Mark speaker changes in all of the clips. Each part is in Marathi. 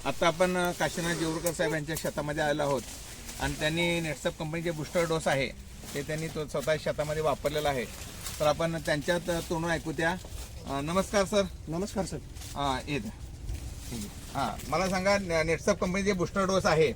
Speaker 1: आता आपण काशीनाथ जेवरकर साहेब यांच्या शेतामध्ये आलेलो आहोत आणि त्यांनी नेटसप कंपनीचे बूस्टर डोस आहे ते त्यांनी तो स्वतः शेतामध्ये वापरलेला आहे. तर आपण त्यांच्यात तोंडून ऐकू द्या. नमस्कार सर.
Speaker 2: नमस्कार सर.
Speaker 1: येत हां, मला सांगा नेटसप कंपनीचे बूस्टर डोस आहे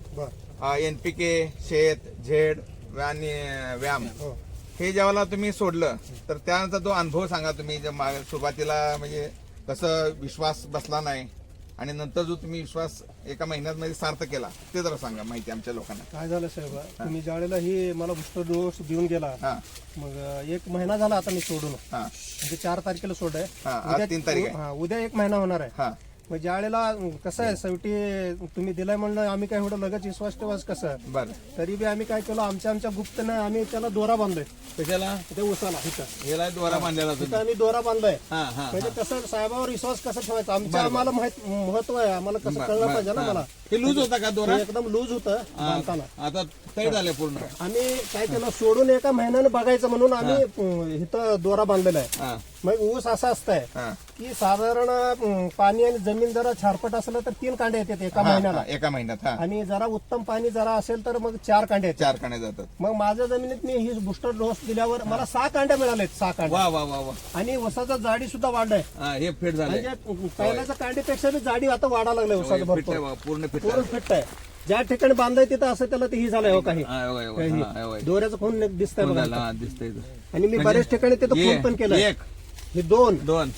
Speaker 1: NPK, शेत, झेड आणि व्यायाम, हे ज्यावेळेला तुम्ही सोडलं तर त्यानंतर तो अनुभव सांगा तुम्ही. सुरुवातीला म्हणजे कसं विश्वास बसला नाही आणि नंतर जो तुम्ही विश्वास एका महिन्यात मध्ये सार्थ केला ते जरा सांगा माहिती आमच्या लोकांना.
Speaker 2: काय झालं साहेब, तुम्ही ज्यावेळेला ही मला बूस्टर डोस देऊन गेला, मग 1 महिना झाला आता मी सोडून. म्हणजे 4 तारखेला सोडाय,
Speaker 1: आज 3 तारीख आहे.
Speaker 2: उद्या 1 महिना होणार आहे. मग ज्यावेळेला कसं आहे, शेवटी तुम्ही दिलाय म्हणलं आम्ही काय एवढं लगेच विश्वास ठेवाच कसं.
Speaker 1: बरं,
Speaker 2: तरी बी आम्ही काय केलं, आमच्या गुप्तने आम्ही त्याला दोरा बांधलोय.
Speaker 1: कशाला?
Speaker 2: ते उसाला
Speaker 1: ह्याला दोरा बांधलेला
Speaker 2: तिथं आम्ही दोरा बांधलाय.
Speaker 1: म्हणजे
Speaker 2: म्हणजे कसं साहेबावर विश्वास कसा ठेवायचा आमच्या आम्हाला महत्व आहे, आम्हाला कसं कळलं पाहिजे ना. मला
Speaker 1: हे लूज होता का दोरा?
Speaker 2: एकदम लूज होतं बांधताना.
Speaker 1: आता तयार झाले पूर्ण.
Speaker 2: आम्ही काय केलं, सोडून 1 महिन्याने बघायचं म्हणून आम्ही इथं दोरा बांधलेला आहे. मग ऊस असा असतंय की साधारण पाणी आणि जमीन जरा छारपट असलं तर 3 कांडे येतात एका महिन्यात. आणि जरा उत्तम पाणी जरा असेल तर मग 4 कांडे येतात.
Speaker 1: 4 कांडे जातात.
Speaker 2: मग माझ्या जमिनीत मी ही बूस्टर डोस दिल्यावर मला 6 कांड्या मिळालेत. 6 कांडे.
Speaker 1: वा वा वा वा.
Speaker 2: आणि ऊसाचा जाडी सुद्धा वाढलाय.
Speaker 1: हे फिट झाले.
Speaker 2: म्हणजे पहिल्याच्या कांडीपेक्षा बी जाडी आता वाढायला लागलाय ऊसाचं भरपूर.
Speaker 1: पूर्ण फिट
Speaker 2: पूर्ण फिट आहे. ज्या ठिकाणी बांधाय तिथं असं त्याला ते ही झालंय हो काही दोऱ्याचं खून दिसतंय बघा.
Speaker 1: दिसतंय.
Speaker 2: आणि मी बऱ्याच ठिकाणी तिथं खून पण केलंय. हे 2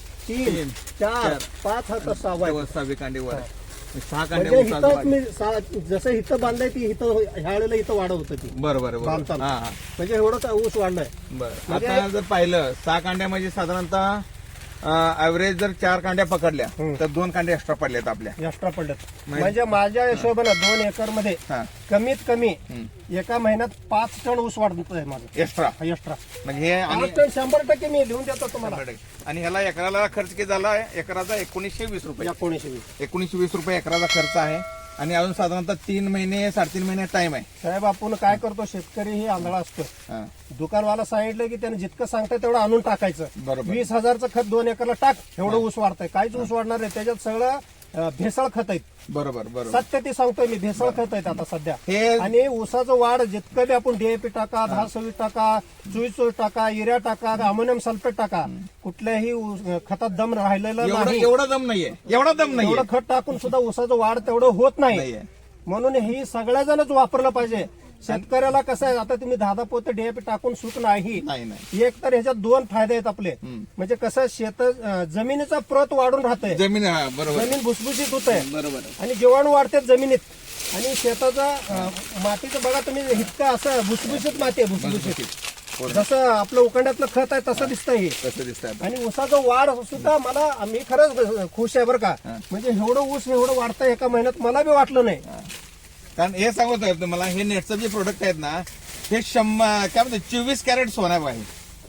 Speaker 2: 3 4 5 हा तर 6
Speaker 1: कांडे वर. 6
Speaker 2: म्हणजे इथं मी जसं इथं बांधलंय ती इथं ह्या वेळेला इथं वाढ होतं ती.
Speaker 1: बरोबर
Speaker 2: बांधताना म्हणजे एवढं ऊस वाढलाय.
Speaker 1: बरं, आता जर पाहिलं 6 कांड्या म्हणजे साधारणतः ऍव्हरेज जर 4 कांड्या पकडल्या तर 2 कांड्या एक्स्ट्रा पडल्यात आपल्या.
Speaker 2: एक्स्ट्रा पडल्यात म्हणजे माझ्या हिशोबानं 2 एकर मध्ये कमीत कमी एका महिन्यात 5 टन ऊस वाढतोय माझं
Speaker 1: एक्स्ट्रा. म्हणजे हे
Speaker 2: 5 टन 100% मी देऊन देतो तुम्हाला.
Speaker 1: आणि ह्याला एकराला खर्च किती झाला? एकराचा 1920 रुपये. 1920 रुपये एकराचा खर्च आहे. आणि अजून साधारणतः 3 महिने 3.5 महिने टाइम आहे.
Speaker 2: साहेब, आपण काय करतो, शेतकरी ही आंधळा असतो. दुकानवाला सांगितलं की त्याने जितकं सांगतंय तेवढं आणून टाकायचं. 20,000चं खत 2 एकरला टाक, एवढं ऊस वाढतंय. काहीच ऊस वाढणार नाही, त्याच्यात सगळं भेसळ खत आहेत.
Speaker 1: बरोबर.
Speaker 2: सत्य ते सांगतोय मी, भेसळ खत आहेत आता सध्या. आणि ऊसाचं वाढ जितकं बी आपण DAP टाका, 10-26 टाका, 24 टाका, युरिया टाका, अमोनियम सल्फेट टाका, कुठल्याही खतात दम राहिलेला नाही.
Speaker 1: एवढा दम नाहीये.
Speaker 2: एवढं खत टाकून सुद्धा ऊसाचं वाढ तेवढं होत नाही. म्हणून ही सगळ्या जणच वापरलं पाहिजे. शेतकऱ्याला कसं आहे, आता तुम्ही 10 पोते DAP टाकून सुट नाही. एक तर ह्याच्यात 2 फायदे आहेत आपले. म्हणजे कसं शेत जमिनीचा प्रत वाढून राहतंय, जमीन भुसभुशीत होत आहे
Speaker 1: बरोबर.
Speaker 2: आणि जीवाणू वाढतात जमिनीत. आणि शेताचा मातीचं बघा तुम्ही, इतकं असं भुसभुशीत माती आहे. भुसभुशीत जसं आपलं उकंड्यातलं खत आहे तसं दिसतंय हे. आणि ऊसाचं वाढ सुद्धा मी खरंच खुश आहे बरं का. म्हणजे एवढं ऊस एवढं वाढतंय एका महिन्यात मला बी वाटलं नाही.
Speaker 1: कारण हे सांगत आहे तुम्हाला, हे नेटचं जे प्रोडक्ट आहेत ना, हे काय म्हणतात 24 कॅरेट सोना आहे.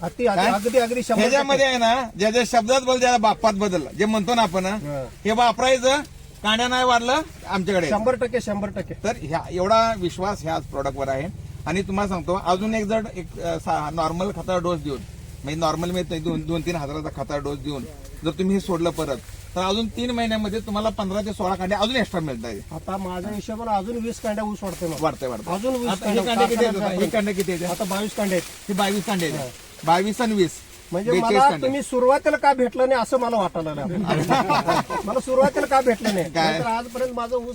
Speaker 2: अगदी
Speaker 1: ह्याच्यामध्ये आहे ना, ज्या शब्दात बदल, ज्याला बापात बदल जे म्हणतो ना आपण, हे वापरायचं. कांड्या नाही वाढलं आमच्याकडे 100%. तर एवढा विश्वास ह्या प्रोडक्टवर आहे. आणि तुम्हाला सांगतो, अजून एक जर नॉर्मल खताचा डोस देऊन, म्हणजे नॉर्मल मी 2-3 हजाराचा खताचा डोस देऊन जर तुम्ही हे सोडलं परत, तर अजून 3 महिन्यामध्ये तुम्हाला 15 ते 16 कांड्या अजून एक्स्ट्रा मिळतात.
Speaker 2: आता माझ्या हिशोबाने अजून 20 कांड्या ऊस वाढतोय. अजून 20
Speaker 1: कांड्या किती आहेत?
Speaker 2: आता 22 कांड्या आहेत.
Speaker 1: हे 22 कांडे आहेत. 22 आणि 20
Speaker 2: म्हणजे मला तुम्ही सुरुवातीला का भेटलं नाही असं मला वाटायला लागलं. मला सुरुवातीला का भेटलं नाही, आजपर्यंत माझं ऊस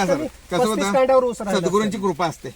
Speaker 2: 35 कांड्यावर ऊस.
Speaker 1: सद्गुरूंची कृपा असते.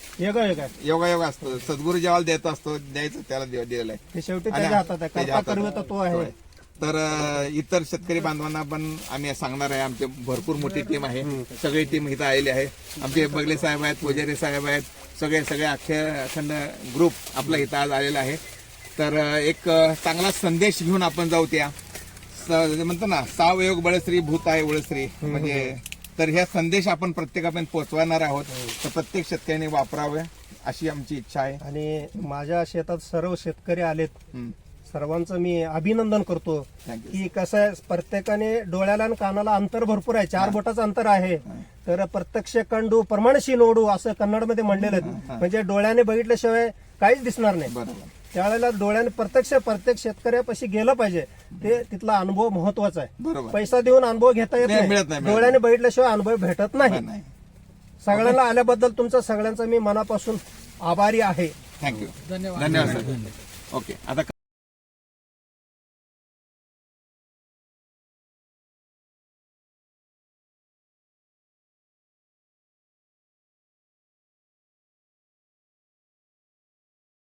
Speaker 2: योगा
Speaker 1: असतो. सद्गुरू जेव्हा देत असतो, द्यायचं त्याला दिलेलं आहे.
Speaker 2: शेवटी त्याच्या हातात आहे, तो आहे.
Speaker 1: तर इतर शेतकरी बांधवांना पण आम्ही सांगणार आहे, आमची भरपूर मोठी टीम आहे. सगळी टीम इथं आलेली आहे. आमचे बगले साहेब आहेत, पुजारी साहेब आहेत, सगळे अखंड ग्रुप आपला इथं आज आलेला आहे. तर एक चांगला संदेश घेऊन आपण जाऊ. त्या म्हणतो ना, सावयोग बळश्री भूत आहे उळश्री, म्हणजे तर ह्या संदेश आपण प्रत्येकापर्यंत पोहोचवणार आहोत. तर प्रत्येक शेतकऱ्याने वापरावे अशी आमची इच्छा आहे.
Speaker 2: आणि माझ्या शेतात सर्व शेतकरी आलेत, सर्वांचं मी अभिनंदन करतो. की कसं आहे, प्रत्येकाने डोळ्याला आणि कानाला अंतर भरपूर आहे. 4 बोटाचं अंतर आहे. तर प्रत्यक्ष कंडू प्रमाणशी नोडू असं कन्नडमध्ये म्हणलेलं आहे. म्हणजे डोळ्याने बघितल्याशिवाय काहीच दिसणार नाही. त्यावेळेला डोळ्याने प्रत्येक शेतकऱ्यापाशी गेलं पाहिजे. ते तिथला अनुभव महत्वाचा आहे.
Speaker 1: बरोबर.
Speaker 2: पैसा देऊन अनुभव घेता येत
Speaker 1: नाही,
Speaker 2: नाही,
Speaker 1: मिळत नाही.
Speaker 2: डोळ्याने बघितल्याशिवाय अनुभव भेटत नाही.
Speaker 1: नाही.
Speaker 2: सगळ्यांना आल्याबद्दल तुमचा सगळ्यांचा मी मनापासून आभारी आहे.
Speaker 1: थँक्यू. धन्यवाद सर. ओके आता